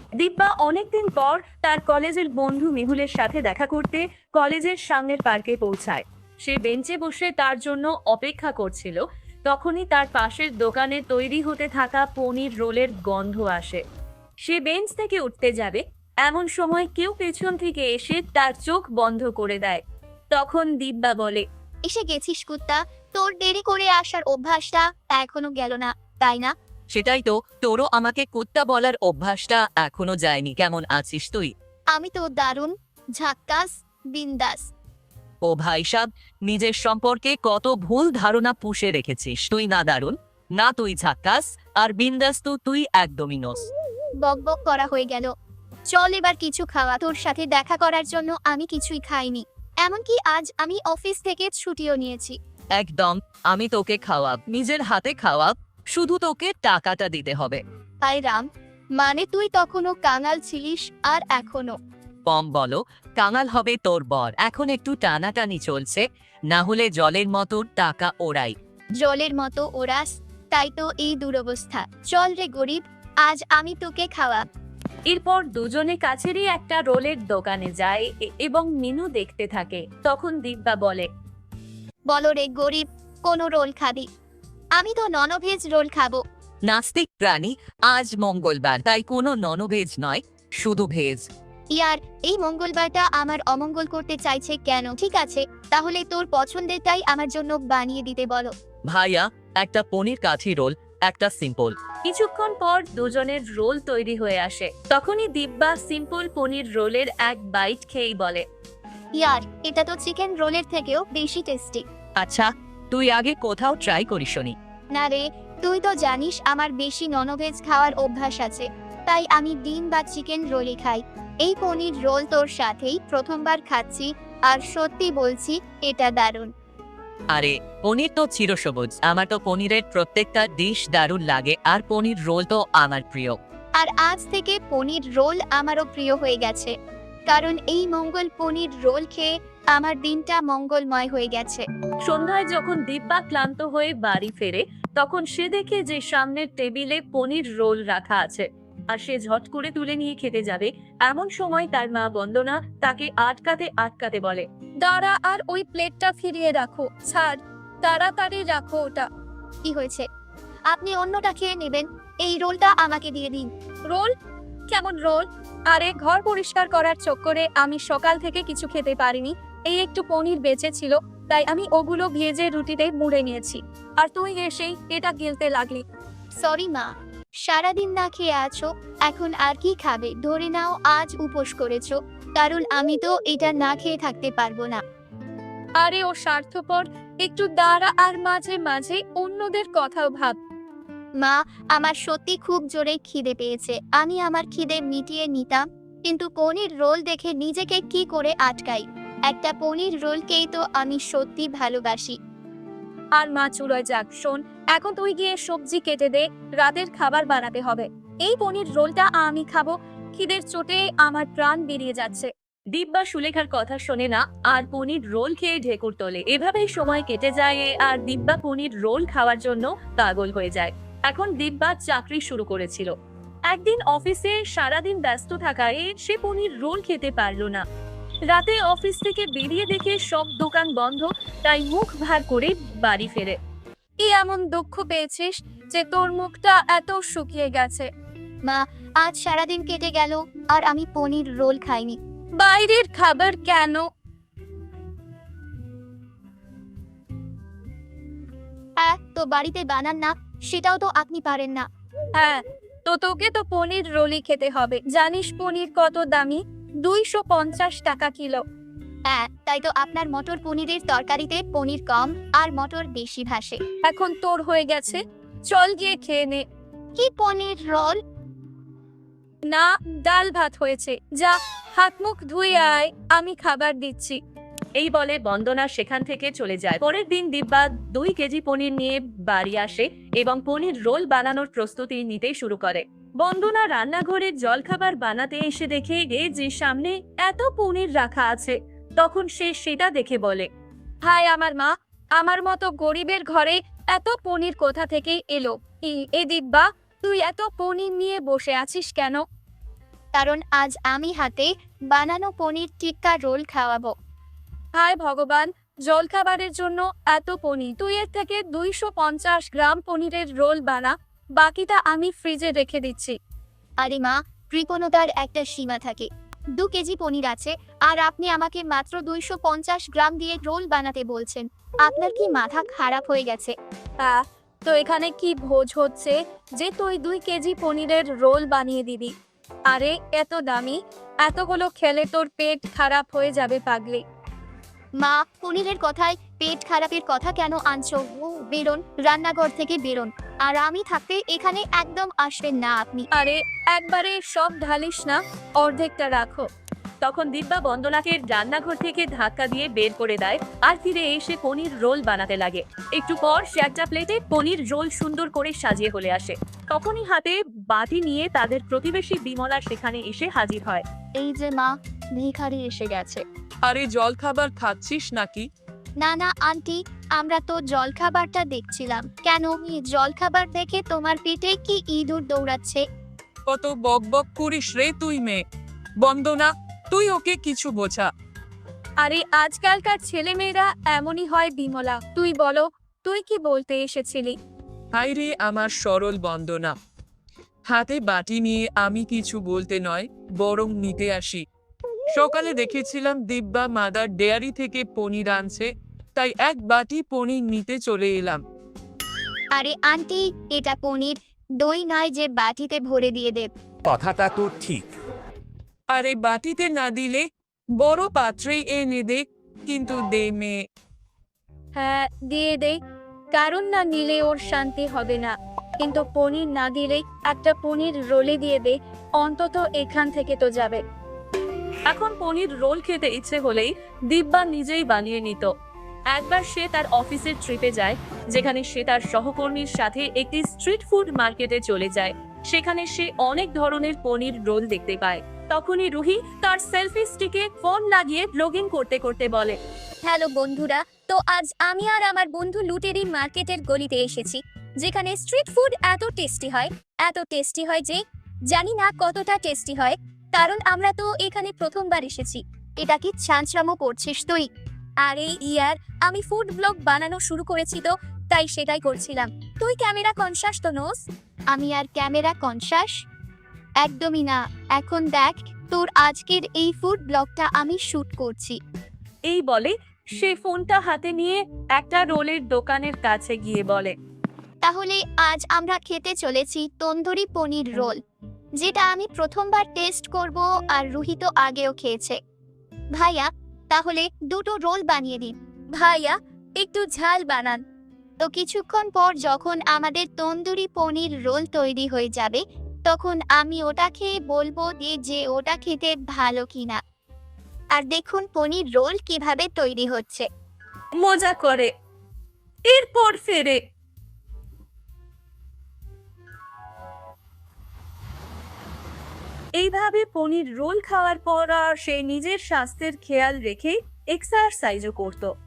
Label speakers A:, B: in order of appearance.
A: দিব্যা অনেকদিন পর তার কলেজের বন্ধু মেহুলের সাথে দেখা করতে কলেজের সামনের পার্কে পৌঁছায়। সে বেঞ্চে বসে তার জন্য অপেক্ষা করছিল। তখনই তার পাশের দোকানে তৈরি হতে থাকা পনির রোলের গন্ধ আসে। সে বেঞ্চ থেকে উঠতে যাবে, এমন সময় কেউ পেছন থেকে এসে তার চোখ বন্ধ করে দেয়। তখন দিব্যা বলে,
B: এসে গেছিস কুত্তা, তোর দেরি করে আসার অভ্যাসটা এখনো গেল না, তাই না?
C: সেটাই তো, তোরও আমাকে কুত্তা বলার অভ্যাসটা এখনো যায়নি। কেমন আছিস তুই?
B: আমি তো দারুণ, ঝাক্কাস, বিন্দাস।
C: ও ভাই সাব, নিজের সম্পর্কে কত ভুল ধারণা পুষে রেখেছিস। তুই না দারুণ, না তুই ঝাক্কাস, আর বিন্দাস তো তুই একদমই নস।
B: বক বক করা হয়ে গেল। চল এবার কিছু খাওয়া, তোর সাথে দেখা করার জন্য আমি কিছুই খাইনি। এমনকি আজ আমি অফিস থেকে ছুটিও নিয়েছি।
C: একদম, আমি তোকে খাওয়াব, নিজের হাতে খাওয়াব, শুধু তোকে টাকাটা দিতে হবে।
B: তাই রাম, মানে তুই তখনও কাঙাল ছিলিস আর এখনো?
C: কম বলো, কাঙাল হবে তোর বর। এখন একটু টানাটানি চলছে, না হলে জলের মতো টাকা ওড়াই।
B: জলের মতো ওরাস, তাই তো এই দুরবস্থা। চল রে গরিব, আজ আমি তোকে খাওয়া।
A: এরপর দুজনে কাছেরই একটা রোলের দোকানে যায় এবং মেনু দেখতে থাকে। তখন দিব্যা বলে,
B: বলো রে গরিব, কোন রোল খাবি? আমি তো ননভেজ রোল খাবো।
C: নাস্তিক প্রাণী, আজ মঙ্গলবার, তাই কোনো ননভেজ নয়, শুধু ভেজ।
B: ইয়ার, এই মঙ্গলবারটা আমার অমঙ্গল করতে চাইছে কেন? ঠিক আছে, তাহলে তোর পছন্দেরটাই আমার জন্য বানিয়ে দিতে বলো।
C: ভাইয়া, একটা পনির কাঠি রোল, একটা সিম্পল।
A: কিছুক্ষণ পর দুজনের রোল তৈরি হয়ে আসে। তখনই দিব্যা সিম্পল পনির রোলের এক বাইট খেয়েই বলে,
B: ইয়ার, এটা তো চিকেন রোলের থেকেও বেশি টেস্টি।
C: আচ্ছা, তুই আগে কোথাও ট্রাই করিসনি?
B: না রে, তুই তো জানিস আমার বেশি ননভেজ খাওয়ার অভ্যাস আছে, তাই আমি ডিম বা চিকেন রোলই খাই। এই পনির রোল তোর সাথেই প্রথমবার খাচ্ছি, আর সত্যি বলছি এটা দারুণ।
C: আরে, পনির তো চিরসবুজ, আমার তো পনিরের প্রত্যেকটা ডিশ দারুণ লাগে, আর পনির রোল তো আমার প্রিয়।
B: আর আজ থেকে পনির রোল আমারও প্রিয় হয়ে গেছে, কারণ এই মঙ্গল পনির রোল খেয়ে আমার দিনটা মঙ্গলময় হয়ে গেছে।
A: সন্ধ্যায় যখন দিব্যা ক্লান্ত হয়ে বাড়ি ফেরে, তখন সে দেখে যে সামনের টেবিলে পনির রোল রাখা আছে, আর সে ঝট করে তুলে নিয়ে খেতে যাবে। এমন সময় তার মা বন্দনা তাকে আটকাতে আটকাতে বলে,
B: দাঁড়া, আর ওই প্লেটটা ফিরিয়ে রাখো। ছাড়, তাড়াতাড়ি রাখো ওটা। কি হয়েছে? আপনি অন্যটা খেয়ে নেবেন, এই রোলটা আমাকে দিয়ে দিন। রোল? কেমন রোল? আরে, ঘর পরিষ্কার করার চক্করে আমি সকাল থেকে কিছু খেতে পারিনি। এই একটু পনির বেঁচে ছিল, তাই আমি ওগুলো ভেজে রুটিতে মুড়ে নিয়েছি, আর তুই এসেই এটা গিলতে লাগলি। সরি মা, সারাদিন না খেয়ে আছো, এখন আর কি খাবে? ধরে নাও আজ উপোস করেছো, কারণ আমি তো এটা না খেয়ে থাকতে পারবো না। আরে ও স্বার্থপর, একটু দাঁড়া আর মাঝে মাঝে অন্যদের কথাও ভাব। মা, আমার সত্যি খুব জোরে খিদে পেয়েছে, আমি আমার খিদে মিটিয়ে নিতাম, কিন্তু পনির রোল দেখে নিজেকে কি করে আটকাই? একটা পনির রোলকেই তো আমি সত্যি ভালোবাসি। আর মা চুলোয় যাক, শোন, এখন তুই গিয়ে সবজি কেটে দে, রাতের খাবার বানাতে হবে। এই পনির রোলটা আমি খাবো, খিদের চোটে আমার প্রাণ বেরিয়ে যাচ্ছে।
A: দিব্যা সুলেখার কথা শোনে না আর পনির রোল খেয়ে ঢেকুর তোলে। এভাবেই সময় কেটে যায় আর দিব্যা পনির রোল খাওয়ার জন্য পাগল হয়ে যায়। এখন দিব্যা চাকরি শুরু করেছিল। একদিন অফিসে সারাদিন ব্যস্ত থাকায় সে পনির রোল খেতে পারলো না। রাতে অফিস থেকে বেরিয়ে দেখে সব দোকান বন্ধ, তাই মুখ ভার করে বাড়ি ফেরে।
B: কি এমন দুঃখ পেয়েছিস যে তোর মুখটা এত শুকিয়ে গেছে? মা, আজ সারাদিন কেটে গেল আর আমি পনির রোল খাইনি। বাইরের খাবার কেন? হ্যাঁ, তো বাড়িতে বানান না, সেটাও তো আপনি পারেন না। হ্যাঁ, তো তোকে তো পনির রোলই খেতে হবে। জানিস পনির কত দামি? 250 টাকা কিলো। হ্যাঁ, তাই তো আপনার মটর পনিরের তরকারিতে পনির কম আর মটর বেশি ভাসে। এখন তোর হয়ে গেছে, চল গিয়ে খেয়ে নে। কি পনির রোল? না, ডাল ভাত হয়েছে। যা, হাত মুখ ধুয়ে আয়, আমি খাবার দিচ্ছি।
A: এই বলে বন্দনা সেখান থেকে চলে যায়। পরের দিন দিব্যা 2 কেজি পনির নিয়ে বাড়ি আসে এবং পনির রোল বানানোর প্রস্তুতি নিতে শুরু করে। বন্দনা রান্নাঘরে জলখাবার বানাতে এসে দেখে যে সামনে এত পনির রাখা আছে। তখন সে সেটা দেখে বলে,
B: হায় আমার মা, আমার মতো গরিবের ঘরে এত পনির কোথা থেকে এলো? এ দিব্যা, তুই এত পনির নিয়ে বসে আছিস কেন? কারণ আজ আমি হাতে বানানো পনির টিক্কা রোল খাওয়াবো।
A: হায় ভগবান, জলখাবারের জন্য এত পনির! তুই এর থেকে 250 গ্রাম পনিরের রোল বানা, বাকিটা আমি ফ্রিজে রেখে দিচ্ছি।
B: আরে মা, কৃপণতার একটা সীমা থাকে। 2 কেজি পনির আছে আর আপনি আমাকে মাত্র 250 গ্রাম দিয়ে রোল বানাতে বলছেন। আপনার কি মাথা খারাপ হয়ে গেছে?
A: তো এখানে কি ভোজ হচ্ছে যে তুই 2 কেজি পনিরের রোল বানিয়ে দিবি? আরে এত দামি, এতগুলো খেলে তোর পেট খারাপ হয়ে যাবে পাগলি।
B: মা, পনিরের কথায় পেট খারাপের কথা কেন আনছো? বেরোন, রান্নাঘর থেকে বেরোন। আর আমি থাকতে এখানে একদম আসবেন না আপনি।
A: আরে একবারে সব ঢালিস না, অর্ধেকটা রাখো। তখন দিব্যা বন্দনাকে রান্নাঘর থেকে ধাক্কা দিয়ে বের করে দেয় আর ফিরে এসে পনির রোল বানাতে লাগে। একটু পর সে একটা প্লেটে পনির রোল সুন্দর করে সাজিয়ে হলে আসে। তখনই হাতে বাটি নিয়ে তাদের প্রতিবেশী বিমলা সেখানে এসে হাজির হয়।
B: এই যে মা, ভিখারি এসে গেছে।
D: আরে জলখাবার খাচ্ছিস নাকি?
B: না না আন্টি, আমরা তো জলখাবারটা দেখছিলাম। কেন, এই জলখাবার দেখে তোমার পেটে কি ইঁদুর দৌড়াচ্ছে?
D: কত বক বক করিস রে তুই মেয়ে। বন্দনা, তুই ওকে কিছু বোঝা।
A: আরে আজকালকার ছেলেমেয়েরা এমনই হয় বিমলা। তুই বলো, তুই কি বলতে এসেছিলি?
D: হাই রে আমার সরল বন্দনা। হাতে বাটি নিয়ে আমি কিছু বলতে নয়, বরং নিতে আসি। সকালে দেখেছিলাম দিব্যা মাদার ডেয়ারি থেকে পনির আনছে, তাই এক বাটি পনির নিতে চলে এলাম।
B: আরে আন্টি, এটা পনির, দই নয় যে বাটিতে ভরে দিয়ে দেব।
E: কথাটা তো ঠিক।
D: আরে বাটিতে না দিলে বড় পাত্রে এনে দে, কিন্তু দে মেয়ে।
A: হ্যাঁ দিয়ে দে, কারণ না নিলে ওর শান্তি হবে না। কিন্তু পনির না দিলেই একটা পনির রোলে দিয়ে দে, অন্তত এখান থেকে তো যাবে। এখন পনির রোল খেতে ইচ্ছে হলেই দিব্যা নিজেই বানিয়ে নিত। একবার সে তার অফিসের ট্রিপে যায়, যেখানে সে তার সহকর্মীর সাথে একটি স্ট্রিট ফুড মার্কেটে চলে যায়। সেখানে সে অনেক ধরনের পনির রোল দেখতে পায়। তখনই রুহি তার সেলফি স্টিকে ফোন লাগিয়ে ব্লগিং করতে করতে বলে,
B: হ্যালো বন্ধুরা, তো আজ আমি আর আমার বন্ধু লুটেরি মার্কেটের গলিতে এসেছি, যেখানে স্ট্রিট ফুড এত টেস্টি হয় যে জানি না কতটা টেস্টি হয়, কারণ আমরা তো এখানে প্রথমবার এসেছি। এটা কি ছাঁচরামো করছিস তুই? আরে ইয়ার, আমি ফুড ব্লগ বানানো শুরু করেছি তো, তাই সেটাই করছিলাম। তুই ক্যামেরা কনসাস তো নোস? আমি আর ক্যামেরা কনসাস? একদমই না। এখন দেখ, তোর আজকের এই ফুড ব্লগটা আমি শুট করছি।
A: এই বলে সে ফোনটা হাতে নিয়ে একটা রোলের দোকানের কাছে গিয়ে বলে,
B: তাহলে আজ আমরা খেতে চলেছি তন্দুরি পনির রোল, যেটা আমি প্রথমবার টেস্ট করব, আর রুহি তো আগেও খেয়েছে। ভাইয়া, তাহলে 2টো রোল বানিয়ে দিন। ভাইয়া, একটু ঝাল বানান। তো কিছুক্ষণ পর যখন আমাদের তন্দুরি পনির রোল তৈরি হয়ে যাবে, তখন আমি ওটা খেয়ে বলবো যে ওটা খেতে ভালো কিনা। আর দেখুন পনির রোল কিভাবে তৈরি হচ্ছে।
A: মজা করে। এরপর ফেরে। এইভাবে পনির রোল খাওয়ার পর সে নিজের স্বাস্থ্যের খেয়াল রেখে এক্সারসাইজও করত।